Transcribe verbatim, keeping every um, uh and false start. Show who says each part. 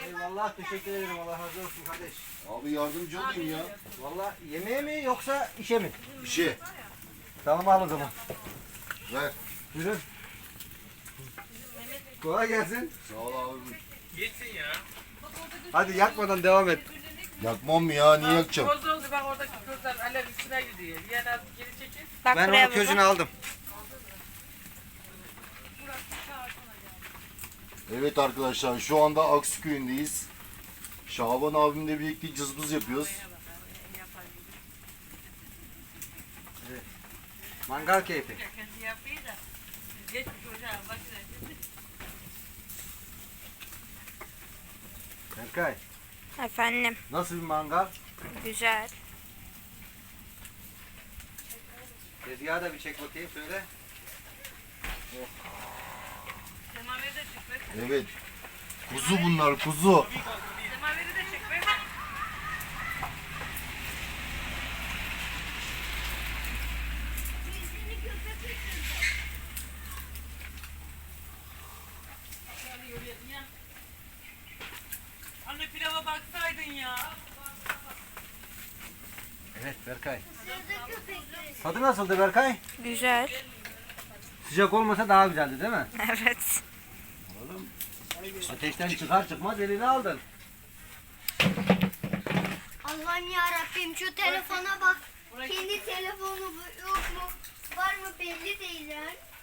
Speaker 1: Eyvallah, teşekkür ederim. Allah razı olsun kardeş.
Speaker 2: Abi yardımcı olayım ya.
Speaker 1: Vallahi yemeğe mi yoksa işe mi?
Speaker 2: Bir şey.
Speaker 1: Tamam al o zaman.
Speaker 2: Ver.
Speaker 1: Buyurun. Kolay gelsin.
Speaker 2: Sağ ol abi.
Speaker 3: Geçsin ya.
Speaker 1: Hadi yakmadan devam et.
Speaker 2: Yakmam mı ya? Niye yakacağım?
Speaker 3: Koz oldu bak oradaki közler alev içine gidiyor. Yani az geri çekil.
Speaker 4: Bak
Speaker 1: Ben
Speaker 4: buraya
Speaker 1: onun közünü
Speaker 4: baba.
Speaker 1: aldım.
Speaker 2: Evet arkadaşlar şu anda Aksuköy'ündeyiz. Şaban abimle birlikte cızbız yapıyoruz.
Speaker 1: Mangal keyfi.
Speaker 3: Kendi yapıyor da. Geçmiş hocam bak.
Speaker 1: Berkay,
Speaker 4: Efendim.
Speaker 1: nasıl bir mangal?
Speaker 4: Güzel.
Speaker 1: Tezgahı da bir çek bakayım söyle.
Speaker 3: Semaveri de çek be.
Speaker 2: Evet. Kuzu bunlar kuzu.
Speaker 3: Semaveri de çek be. Anne pilava baksaydın ya.
Speaker 1: Evet Berkay. Tadı nasıldı Berkay?
Speaker 4: Güzel.
Speaker 1: Sıcak olmasa daha güzeldi değil mi?
Speaker 4: Evet.
Speaker 1: Ateşten çıkar çıkmaz elini aldın.
Speaker 5: Allah'ım ya Rabbim şu telefona bak. Kendi telefonu bu- yok mu? Var mı belli değil yani.